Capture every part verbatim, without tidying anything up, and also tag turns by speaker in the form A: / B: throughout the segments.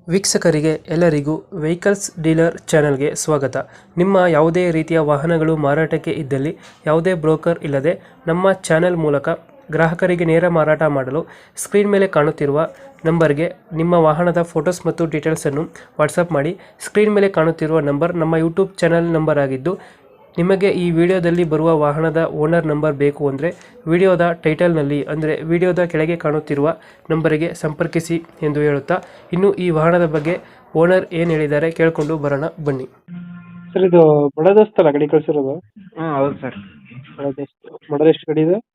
A: ವೀಕ್ಷಕರಿಗೆ ಎಲ್ಲರಿಗೂ vehicles dealer ಚಾನೆಲ್ಗೆ ಸ್ವಾಗತ. ನಿಮ್ಮ ಯಾವುದೇ ರೀತಿಯ ವಾಹನಗಳು ಮಾರಾಟಕ್ಕೆ ಇದ್ದಲ್ಲಿ ಯಾವುದೇ ಬ್ರೋಕರ್ ಇಲ್ಲದೆ ನಮ್ಮ ಚಾನೆಲ್ ಮೂಲಕ ಗ್ರಾಹಕರಿಗೆ ನೇರ ಮಾರಾಟ ಮಾಡಲು ಸ್ಕ್ರೀನ್ ಮೇಲೆ ಕಾಣುತ್ತಿರುವ ನಂಬರ್ಗೆ ನಿಮ್ಮ ವಾಹನದ ಫೋಟೋಸ್ ಮತ್ತು ಡೀಟೇಲ್ಸನ್ನು ವಾಟ್ಸಪ್ ಮಾಡಿ. ಸ್ಕ್ರೀನ್ ಮೇಲೆ ಕಾಣುತ್ತಿರುವ ನಂಬರ್ ನಮ್ಮ ಯೂಟ್ಯೂಬ್ ಚಾನೆಲ್ ನಂಬರ್ ಆಗಿದ್ದು, ನಿಮಗೆ ಈ ವಿಡಿಯೋದಲ್ಲಿ ಬರುವ ವಾಹನದ ಓನರ್ ನಂಬರ್ ಬೇಕು ಅಂದರೆ ವಿಡಿಯೋದ ಟೈಟಲ್ನಲ್ಲಿ ಅಂದರೆ ವಿಡಿಯೋದ ಕೆಳಗೆ ಕಾಣುತ್ತಿರುವ ನಂಬರಿಗೆ ಸಂಪರ್ಕಿಸಿ ಎಂದು ಹೇಳುತ್ತಾ, ಇನ್ನು ಈ ವಾಹನದ ಬಗ್ಗೆ ಓನರ್ ಏನು ಹೇಳಿದ್ದಾರೆ ಕೇಳಿಕೊಂಡು ಬರೋಣ ಬನ್ನಿ. ಸರ್, ಇದು ಬಡದಸ್ತಲ್ಲ ಗಾಡಿ ಕಳಿಸಿರೋದು?
B: ಹಾಂ ಹೌದು ಸರ್.
A: ಬಡದಸ್ತು ಮಾಡಲ್ ಎಷ್ಟು ಗಾಡಿ ಇದೆ?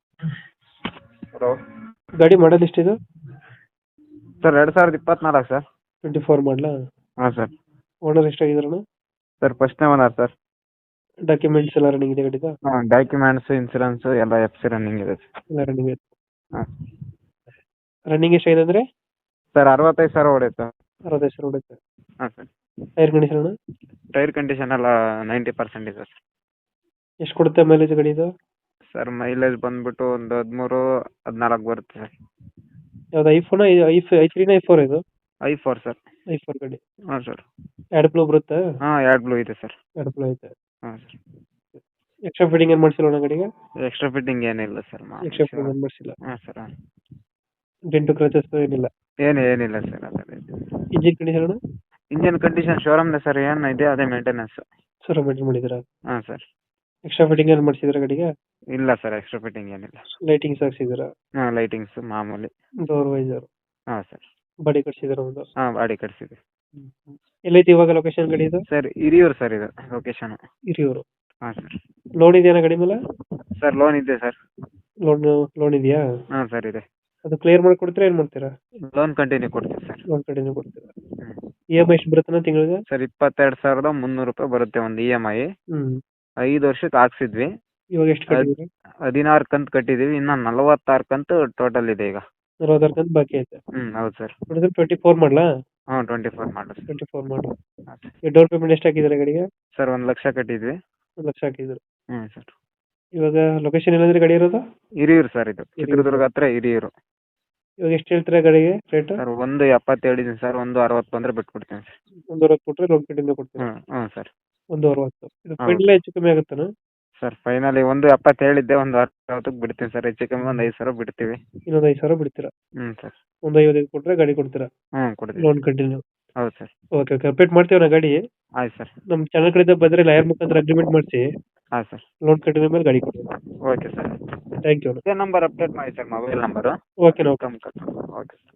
B: ಹಲೋ
A: ಗಾಡಿ ಮಾಡಲ್ ಎಷ್ಟಿದೆ
B: ಸರ್? ಎರಡು ಸಾವಿರದ ಇಪ್ಪತ್ನಾಲ್ಕು ಸರ್.
A: ಟ್ವೆಂಟಿ ಫೋರ್ ಮಾಡಲ?
B: ಹಾಂ ಸರ್.
A: ಓನರ್ ಎಷ್ಟಾಗಿದಾರಣ?
B: ಸರ್ ಫಸ್ಟ್ನೇ ಓನರ್ ಸರ್.
A: ಡಾಕ್ಯುಮೆಂಟ್ಸ್ ಎಲ್ಲ ರನ್ನಿಂಗ್ ಇದೆ ಗಾಡಿದ?
B: ಹಾಂ, ಡಾಕ್ಯುಮೆಂಟ್ಸ್, ಇನ್ಸೂರೆನ್ಸು ಎಲ್ಲ ಎಫ್ ಸಿ ರನ್ನಿಂಗ್ ಇದೆ ಸರ್.
A: ಎಲ್ಲ ರನ್ನಿಂಗ್ ಇದೆ.
B: ಹಾಂ
A: ರನ್ನಿಂಗ್ ಎಷ್ಟಾಗಿದೆ ಅಂದರೆ?
B: ಸರ್ ಅರವತ್ತೈದು ಸಾವಿರ ಹೊಡೆಯುತ್ತೆ.
A: ಅರವತ್ತೈದು ಸಾವಿರ ಹೊಡೆಯುತ್ತೆ.
B: ಹಾಂ sir.
A: Tyre condition?
B: Tyre condition ಎಲ್ಲ ನೈಂಟಿ ಪರ್ಸೆಂಟ್ ಇದೆ ಸರ್.
A: ಎಷ್ಟು ಕೊಡುತ್ತೆ ಮೈಲೇಜ್ ಗಾಡಿದು?
B: ಸರ್ ಮೈಲೇಜ್ ಬಂದ್ಬಿಟ್ಟು ಒಂದು ಹದಿಮೂರು ಹದಿನಾಲ್ಕು ಬರುತ್ತೆ ಸರ್.
A: ಯಾವ್ದು ಐಫೋನ್ ಐ ಐ ತ್ರೀನ ಐ ಫೋರ್ ಇದು?
B: I four sir.
A: I four ಗಾಡಿ.
B: ಹಾಂ ಸರ್.
A: ಎರಡು ಬ್ಲೂ ಬರುತ್ತೆ?
B: ಹಾಂ, ಎರಡು ಬ್ಲೂ ಇದೆ ಸರ್.
A: ಎರಡು ಬ್ಲೂ ಐತೆ.
B: ಹಾಂ ಸರ್.
A: ಎಕ್ಸ್ಟ್ರಾ ಫಿಟ್ಟಿಂಗ್ ಏನು ಮಾಡಿಸಿಲ್ಲ ಗಾಡಿಗೆ?
B: ಎಕ್ಸ್ಟ್ರಾ ಫಿಟ್ಟಿಂಗ್ ಏನಿಲ್ಲ ಸರ್.
A: ಎಕ್ಸ್ಟ್ರಾ ಫಿಟ್ಟಿಂಗ್ ಏನು ಮಾಡಿಸಿಲ್ಲ.
B: ಹಾಂ ಸರ್. ಹಾಂ,
A: ಡೆಂಟು ಕ್ರಚಸ್ ಏನಿಲ್ಲ?
B: ಏನು ಏನಿಲ್ಲ ಸರ್. ಅದರ
A: ಇಂಜಿನ್ ಕಂಡೀಷನ್?
B: ಇಂಜಿನ್ ಕಂಡೀಷನ್ ಶೋರೂಮ್ದೆ ಸರ್. ಏನು ಇದೆ ಅದೇ ಮೇಂಟೆನೆನ್ಸ್.
A: ಸರ್ ಮೇಂಟೈನ್ ಮಾಡಿದ್ದೀರಾ?
B: ಹಾಂ ಸರ್.
A: ಎಕ್ಸ್ಟ್ರಾ ಫಿಟ್ಟಿಂಗ್ ಏನು ಮಾಡಿಸಿದ್ರೆ ಗಾಡಿಗೆ?
B: ಇಲ್ಲ ಸರ್, ಎಕ್ಸ್ಟ್ರಾ ಫಿಟ್ಟಿಂಗ್ ಏನಿಲ್ಲ.
A: ಲೈಟಿಂಗ್ಸ್ ಹಾಕ್ಸಿದ್ದೀರಾ?
B: ಹಾಂ, ಲೈಟಿಂಗ್ಸ್ ಮಾಮೂಲಿ.
A: Door visor?
B: ಹಾಂ ಸರ್.
A: ಬಾಡಿ ಕಟ್ಸಿದ್ದೀರಾ ಒಂದು?
B: ಹಾಂ, ಬಾಡಿ ಕಟ್ಸಿದೆ.
A: ಎಲ್ಲೈತಿ ಇವಾಗ ಲೊಕೇಶನ್ ಗಾಡಿ ಇದು?
B: ಸರ್ ಹಿರಿಯೂರು ಸರ್ ಇದು ಲೊಕೇಶನ್.
A: ಹಿರಿಯೂರು.
B: ಹಾಂ ಸರ್.
A: ಲೋನ್ ಇದೆಯಾ ಗಾಡಿ ಮೇಲೆ?
B: ಸರ್ ಲೋನ್ ಇದೆ ಸರ್.
A: ಲೋನ್ ಲೋನ್ ಇದೆಯಾ?
B: ಹಾಂ ಸರ್ ಇದೆ.
A: ಅದು ಕ್ಲಿಯರ್ ಮಾಡಿ ಕೊಡ್ತೀರಾ ಏನು ಮಾಡ್ತೀರಾ?
B: ಲೋನ್ ಕಂಟಿನ್ಯೂ ಕೊಡ್ತೀವಿ ಸರ್.
A: ಲೋನ್ ಕಡೆನೇ ಕೊಡ್ತೀರಾ?
B: ಹ್ಞೂ
A: ಇ ಎಮ್ ಐ ಎಷ್ಟು ಬರುತ್ತಾನ ತಿಂಗಳಿಗೆ?
B: ಸರ್ ಇಪ್ಪತ್ತೆರಡು ಸಾವಿರದ ಮುನ್ನೂರು ರೂಪಾಯಿ ಬರುತ್ತೆ ಒಂದು ಇ ಎಮ್ ಐ.
A: ಹ್ಞೂ.
B: ಐದು ವರ್ಷಕ್ಕೆ ಹಾಕ್ಸಿದ್ವಿ.
A: ಇವಾಗ ಎಷ್ಟು ಕಟ್ಟಿದ್ದೀರಾ?
B: ಹದಿನಾರು ಕಂತು ಕಟ್ಟಿದ್ದೀವಿ. ಇನ್ನು ನಲವತ್ತಾರು ಕಂತು ಟೋಟಲ್ ಇದೆ ಈಗ.
A: ನಲವತ್ತಾರು ಕಂತು ಬಾಕಿ ಐತೆ.
B: ಹ್ಞೂ ಹೌದು ಸರ್.
A: ಟ್ವೆಂಟಿ ಫೋರ್ ಮಾಡಲಾ?
B: ಹಾಂ, ಟ್ವೆಂಟಿ ಫೋರ್ ಮಾಡಲ್.
A: ಟ್ವೆಂಟಿ ಫೋರ್ ಮಾಡಲ್.
B: ಹಾಂ ಸರ್.
A: ಈ ಡೌನ್ ಪೇಮೆಂಟ್ ಎಷ್ಟು ಹಾಕಿದ್ದಾರೆ ಗಾಡಿಗೆ?
B: ಸರ್ ಒಂದು ಲಕ್ಷ ಕಟ್ಟಿದ್ವಿ.
A: ಒಂದು ಲಕ್ಷ ಹಾಕಿದ್ರು.
B: ಹ್ಞೂ ಸರ್.
A: ಇವಾಗ ಲೊಕೇಶನ್ ಏನಂದ್ರೆ ಗಾಡಿ ಇರೋದು?
B: ಹಿರಿಯೂರು ಸರ್ ಇದು. ಚಿತ್ರದುರ್ಗ ಹತ್ರ ಹಿರಿಯೂರು.
A: ಇವಾಗ ಎಷ್ಟು ಹೇಳ್ತೀರಾ ಗಾಡಿಗೆ ರೇಟ್?
B: ಸರ್ ಒಂದು ಎಪ್ಪತ್ತು ಹೇಳಿದ್ದೀನಿ ಸರ್. ಒಂದು ಅರವತ್ತು ಬಂದರೆ ಬಿಟ್ಬಿಡ್ತೀನಿ ಸರ್.
A: ಒಂದು ಅರವತ್ತು ಕೊಟ್ಟರೆ ಲೋನ್ ಕಡೆಯಿಂದ ಕೊಡ್ತೀರಾ?
B: ಹ್ಞೂ ಹ್ಞೂ ಸರ್.
A: ಒಂದು ಅರವತ್ತು. ಇದು
B: ಹೌದು.
A: ಫೈನಲ್ ಹೆಚ್ಚು ಕಮ್ಮಿ ಆಗುತ್ತಾನ?
B: ಸರ್ ಫೈನಲಿ ಒಂದು ಎಪ್ಪತ್ತು ಹೇಳಿದ್ದೆ, ಒಂದು ಅರವತ್ತಕ್ಕೆ ಬಿಡ್ತೀನಿ ಸರ್. ಹೆಚ್ಚು ಕಮ್ಮಿ ಒಂದು ಐದು ಸಾವಿರ ಬಿಡ್ತೀವಿ.
A: ಇನ್ನೊಂದು ಐದು ಸಾವಿರ ಬಿಡ್ತೀರಾ?
B: ಹ್ಞೂ ಸರ್.
A: ಒಂದು ಐವತ್ತೈದು ಕೊಟ್ಟರೆ ಗಾಡಿ ಕೊಡ್ತೀರಾ?
B: ಹ್ಞೂ ಕೊಡ್ತೀವಿ.
A: Loan continue?
B: ಹೌದು ಸರ್.
A: ಓಕೆ ಓಕೆ ಅಪ್ಡೇಟ್ ಮಾಡ್ತೀವಿ ನಾ ಗಾಡಿ.
B: ಆಯ್ತು ಸರ್.
A: ನಮ್ಮ ಚಾನಲ್ ಕಡೆಯಿಂದ ಬಂದರೆ ಲಾಯರ್ ಮುಖಾಂತರ ಅಗ್ರಿಮೆಂಟ್ ಮಾಡಿಸಿ
B: ಆಯ್ತು ಸರ್.
A: ಲೋನ್ ಕಂಟಿನ್ಯೂ ಮೇಲೆ ಗಾಡಿ ಕೊಡಿ.
B: Okay sir.
A: Thank you.
B: ಇದೇ ನಂಬರ್ ಅಪ್ಡೇಟ್ ಮಾಡಿ sir, mobile number.
A: Okay okay.
B: Okay sir.